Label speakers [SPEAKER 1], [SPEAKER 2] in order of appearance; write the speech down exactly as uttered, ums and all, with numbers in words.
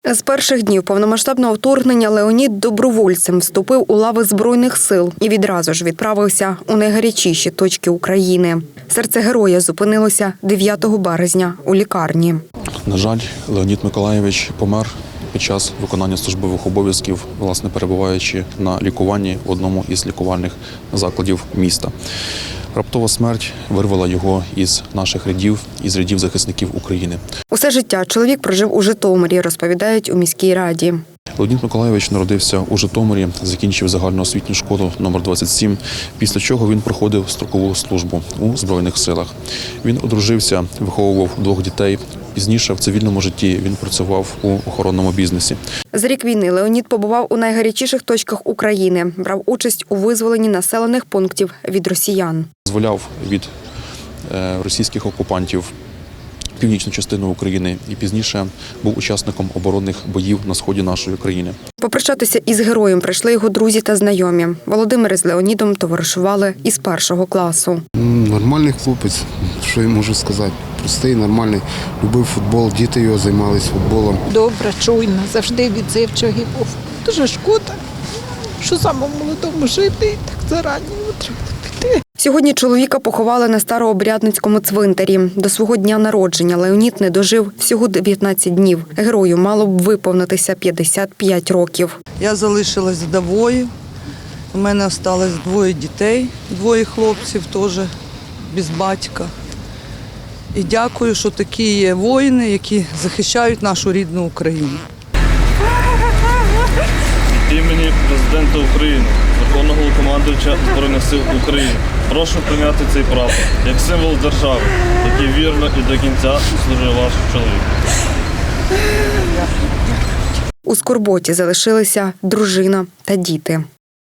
[SPEAKER 1] З перших днів повномасштабного вторгнення Леонід добровольцем вступив у лави Збройних сил і відразу ж відправився у найгарячіші точки України. Серце героя зупинилося дев'ятого березня у лікарні.
[SPEAKER 2] На жаль, Леонід Миколайович помер під час виконання службових обов'язків, власне, перебуваючи на лікуванні в одному із лікувальних закладів міста. Раптова смерть вирвала його із наших рядів, із рядів захисників України.
[SPEAKER 1] Усе життя чоловік прожив у Житомирі, розповідають у міській раді.
[SPEAKER 2] Леонід Миколайович народився у Житомирі, закінчив загальноосвітню школу номер двадцять сім, після чого він проходив строкову службу у Збройних силах. Він одружився, виховував двох дітей. Пізніше в цивільному житті він працював у охоронному бізнесі.
[SPEAKER 1] За рік війни Леонід побував у найгарячіших точках України, брав участь у визволенні населених пунктів від росіян.
[SPEAKER 2] Зволяв від російських окупантів північну частину України і пізніше був учасником оборонних боїв на сході нашої країни.
[SPEAKER 1] Попрощатися із героєм прийшли його друзі та знайомі. Володимир з Леонідом товаришували із першого класу.
[SPEAKER 3] Нормальний хлопець, що я можу сказати. Простий, нормальний, любив футбол, діти його займалися футболом.
[SPEAKER 4] Добра, чуйна, завжди відзивчивий був. Дуже шкода, що самому молодому жити, так зарані треба піти.
[SPEAKER 1] Сьогодні чоловіка поховали на Старообрядницькому цвинтарі. До свого дня народження Леонід не дожив всього дев'ятнадцять днів. Герою мало б виповнитися п'ятдесят п'ять років.
[SPEAKER 5] Я залишилась вдовою. У мене залишилось двоє дітей, двоє хлопців теж без батька. І дякую, що такі є воїни, які захищають нашу рідну Україну.
[SPEAKER 6] Від імені президента України, Верховного Головнокомандувача Збройних сил України, прошу прийняти цей прапор як символ держави, який вірно і до кінця служив ваш чоловік.
[SPEAKER 1] У скорботі залишилися дружина та діти.